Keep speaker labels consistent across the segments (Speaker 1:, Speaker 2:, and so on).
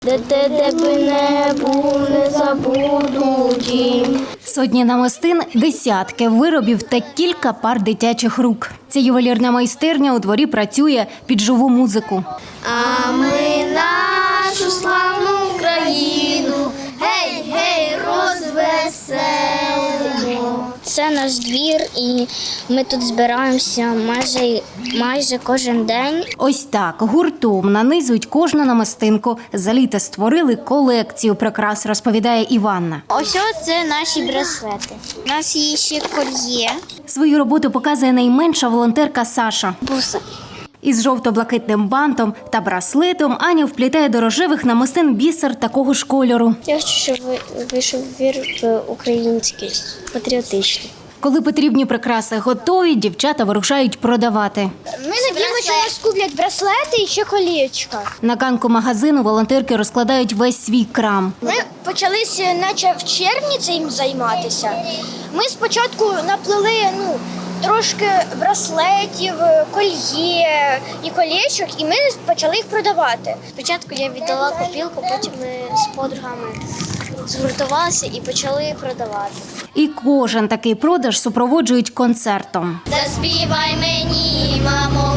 Speaker 1: Де би не був, не забуду дім.
Speaker 2: Сотні намистин, десятки виробів та кілька пар дитячих рук. Ця ювелірна майстерня у дворі працює під живу музику.
Speaker 1: А ми нашу славну Україну, гей, гей, розвеселимо. Це наш двір, і ми тут збираємося майже кожен день.
Speaker 2: Ось так гуртом нанизують кожну намистинку. За літо створили колекцію прикрас, розповідає Іванна.
Speaker 1: Ось це наші браслети. У нас є ще кольє.
Speaker 2: Свою роботу показує найменша волонтерка Саша.
Speaker 1: Буса.
Speaker 2: Із жовто-блакитним бантом та браслетом Аня вплітає до рожевих намистин бісер такого ж кольору.
Speaker 1: Я хочу, щоб вийшов вірш український, патріотичний.
Speaker 2: Коли потрібні прикраси готові, дівчата вирушають продавати.
Speaker 1: Ми надіємося, що нас куплять браслети і ще колечка.
Speaker 2: На ганку магазину волонтерки розкладають весь свій крам.
Speaker 1: Ми почалися наче в червні цим займатися. Ми спочатку наплели трошки браслетів, кольє і колечок, і ми почали їх продавати. Спочатку я віддала копілку, потім ми з подругами згуртувалися і почали продавати.
Speaker 2: І кожен такий продаж супроводжують концертом.
Speaker 1: Заспівай мені, мамо,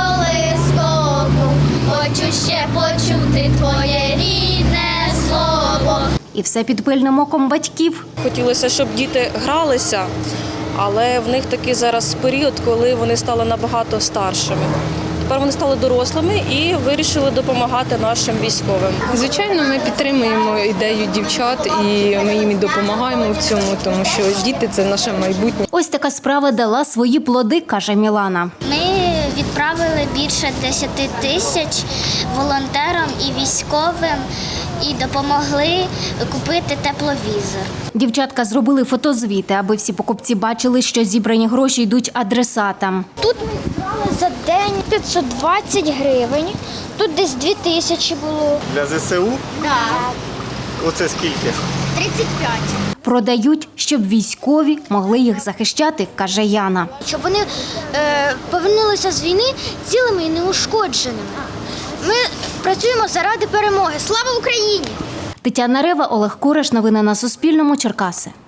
Speaker 1: колискову, хочу ще почути твоє рідне слово.
Speaker 2: І все під пильним оком батьків.
Speaker 3: Хотілося, щоб діти гралися, але в них такий зараз період, коли вони стали набагато старшими. Тепер вони стали дорослими і вирішили допомагати нашим військовим.
Speaker 4: Звичайно, ми підтримуємо ідею дівчат і ми їм і допомагаємо в цьому, тому що діти – це наше майбутнє.
Speaker 2: Ось така справа дала свої плоди, каже Мілана.
Speaker 1: Ми відправили більше 10 тисяч волонтерам і військовим і допомогли купити тепловізор.
Speaker 2: Дівчатка зробили фотозвіти, аби всі покупці бачили, що зібрані гроші йдуть адресатам.
Speaker 1: Тут ми зібрали за день 520 гривень, тут десь 2 тисячі було.
Speaker 5: Для ЗСУ?
Speaker 1: Так.
Speaker 5: Оце скільки?
Speaker 1: 35.
Speaker 2: Продають, щоб військові могли їх захищати, каже Яна.
Speaker 1: Щоб вони повернулися з війни цілими і неушкодженими. Ми працюємо заради перемоги. Слава Україні!
Speaker 2: Тетяна Рева, Олег Кураш. Новини на Суспільному. Черкаси.